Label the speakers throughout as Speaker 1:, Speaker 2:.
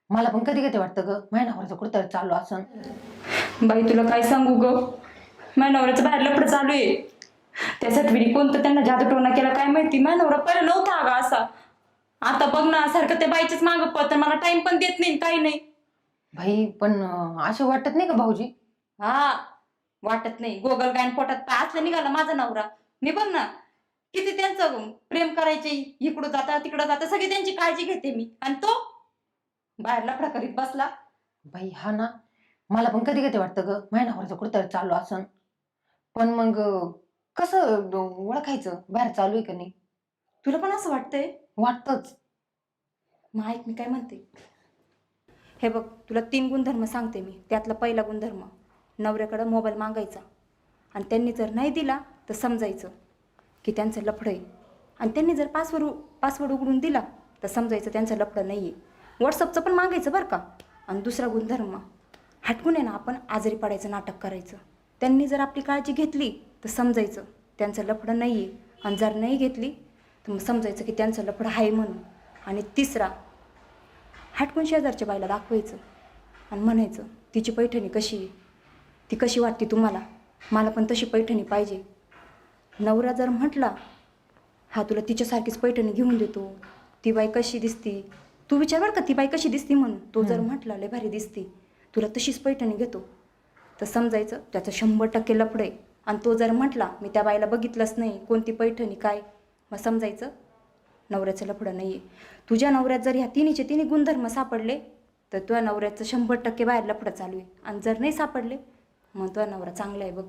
Speaker 1: मला पण कधी कधी वाटतं ग माझ्या नवऱ्याचं कुठं चालू असं.
Speaker 2: बाई तुला काय सांगू ग, माझ्या नवऱ्याचं बाहेर लफडं चालू आहे. त्यासाठी कोणतं त्यांना जादूटोना केला काय माहिती. माझा नवरा पहिला नव्हता अगं असा. आता बघ ना सारखं त्या बाईच्याच मागं पळत, मला टाइम पण देत नाही काही नाही.
Speaker 1: भाई पण असं वाटत नाही का भाऊजी?
Speaker 2: हा वाटत नाही. गोगल गायन पोटात पाय असलं निघाला माझा नवरा. मी बघ ना किती त्यांचं प्रेम करायचे, इकडं जाता तिकडं जाता सगळी त्यांची काळजी घेते मी, आणि तो बाहेर लफडा करीत बसला.
Speaker 1: भाई हा ना, मला पण कधी कधी वाटतं ग माझ्या नवऱ्याचं कुठं चालू असं. पण मग कसं ओळखायचं बाहेर चालू आहे का नाही?
Speaker 2: तुला पण असं वाटतंय?
Speaker 1: वाटतच.
Speaker 2: मग ऐक मी काय म्हणते. हे बघ तुला 3 गुणधर्म सांगते मी. त्यातला पहिला गुणधर्म, नवऱ्याकडं मोबाईल मागायचा आणि त्यांनी जर नाही दिला तर समजायचं की त्यांचं लफडं आहे. आणि त्यांनी जर पासवर्ड उघडून दिला तर समजायचं त्यांचं लफडं नाही आहे. व्हॉट्सअपचं पण मागायचं बरं का. आणि दुसरा गुणधर्म, हटकून आहे ना आपण आजारी पडायचं नाटक करायचं. त्यांनी जर आपली काळजी घेतली तर समजायचं त्यांचं लफडं नाही आहे. आणि जर नाही घेतली तर मग समजायचं की त्यांचं लफडं आहे म्हणून. आणि तिसरा, हटकून शेजारच्या बाईला दाखवायचं आणि म्हणायचं तिची पैठणी कशी आहे, ती कशी वाटते तुम्हाला, मला पण तशी पैठणी पाहिजे. नवरा जर म्हटला हा तुला तिच्यासारखीच पैठणी घेऊन देतो, ती बाई कशी दिसती, तू विचार बरं का ती बाई कशी दिसती म्हणून. तो जर म्हटला लय भारी दिसती, तुला तशीच पैठणी घेतो, तर समजायचं त्याचं 100% लफडं आहे. आणि तो जर म्हटला मी त्या बाईला बघितलंच नाही, कोणती पैठणी काय, मग समजायचं नवऱ्याचं लफडं नाही आहे. तुझ्या नवऱ्यात जर ह्या तिन्ही गुणधर्म सापडले तर तुझ्या नवऱ्याचं 100% बाहेर लफडं चालू आहे. आणि जर नाही सापडले मग तुझा नवरा चांगला आहे बघ.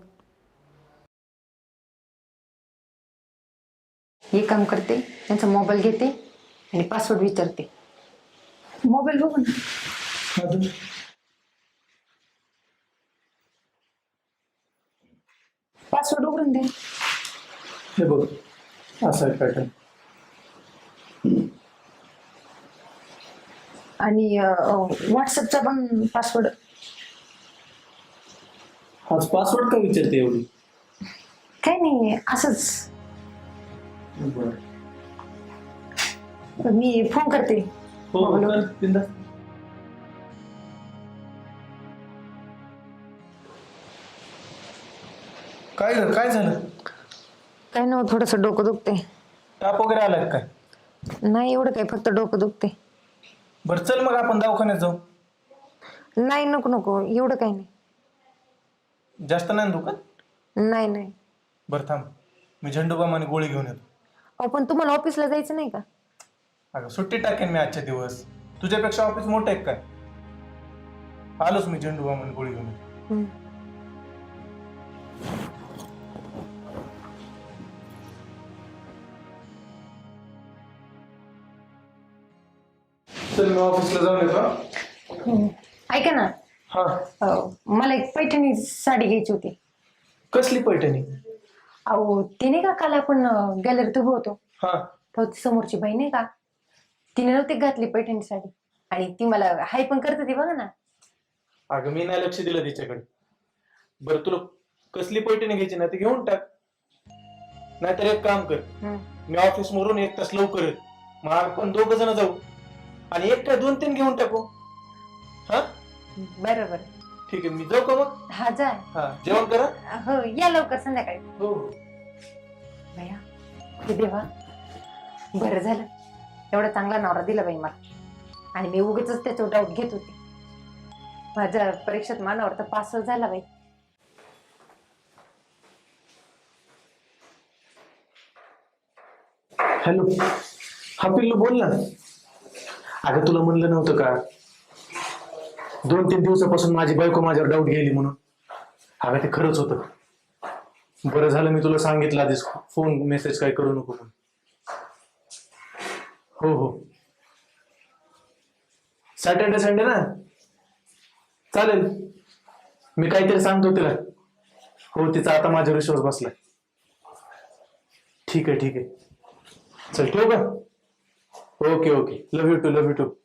Speaker 1: हे काम करते, त्यांचा मोबाईल घेते आणि पासवर्ड विचारते. मोबाईल बघू ना. पासवर्ड उघडून दे.
Speaker 3: हे बघ असा आहे पॅटर्न.
Speaker 1: आणि व्हॉट्सअपचा पण पासवर्ड.
Speaker 3: हाच पासवर्ड का विचारते एवढी?
Speaker 1: काय नाही असंच.
Speaker 3: बरं
Speaker 1: मी फोन करते.
Speaker 3: हो कर बिंदास. काय ग काय झालं?
Speaker 1: काय नाही, थोडस डोकं दुखते.
Speaker 3: ताप वगैरे आलाय काय?
Speaker 1: नाही एवढं काय, फक्त डोकं दुखते.
Speaker 3: बरं चल मग आपण दवाखान्यात जाऊ.
Speaker 1: नाही नको नको, एवढं काही नाही.
Speaker 3: जास्त नाही ना दुखत?
Speaker 1: नाही नाही.
Speaker 3: बरं थांब, मी झंडूबाम आणि गोळी घेऊन येतो.
Speaker 1: अहो पण तुम्हाला ऑफिसला जायचं नाही का?
Speaker 3: अगं सुट्टी टाकेन मी आजच्या दिवस. तुझ्यापेक्षा ऑफिस मोठं आहे काय? आलोच मी झंडूबाम आणि गोळी घेऊन येतो. चल मी ऑफिसला जाऊन येतो.
Speaker 1: ऐका ना,
Speaker 3: हा
Speaker 1: मला एक पैठणी साडी घ्यायची होती.
Speaker 3: कसली पैठणी?
Speaker 1: अहो ते नाही का, काल आपण गॅलरीत उभं होतो,
Speaker 3: हा
Speaker 1: तर ती समोरची बाई नाही का, तिने नव्हती घातली पैठणी साडी आणि ती मला हाय पण करते ती, बघा ना.
Speaker 3: अगं मी नाही लक्ष दिलं तिच्याकडे. बरं तुला कसली पैठणी घ्यायची ना ती घेऊन टाक. नाहीतर एक काम कर, मी ऑफिस मरून 1 तास लवकर येत, मग आपण 2 जण जाऊ आणि एक काय 2-3 घेऊन टाकू. हा
Speaker 1: बरोबर.
Speaker 3: ठीक आहे, मी जाऊ का मग?
Speaker 1: हा जा.
Speaker 3: हा जेवण करा.
Speaker 1: हो या लवकर संध्याकाळी.
Speaker 3: हो
Speaker 1: भैया हे देवा, बरं झालं एवढा चांगला नवरा दिला बाई मला. आणि मी उगीच त्याच्यावर डाऊट घेत होते. माझ्या परीक्षेत मानावर तर पास झाला बाई.
Speaker 3: हॅलो, हा पिल्लू बोल ना. अगं तुला म्हणलं नव्हतं का 2-3 दिवसापासून माझी बायको माझ्यावर डाऊट गेली म्हणून? अगं ते खरंच होतं. बरं झालं मी तुला सांगितलं आधीच, फोन मेसेज काय करू नको म्हणून. हो हो सॅटर्डे संडे ना, चालेल. मी काहीतरी सांगतो तिला. हो तिचा आता माझ्यावर विश्वास बसलाय. ठीक आहे ठीक आहे, चल ठेवू का? Okay okay, love you too love you to.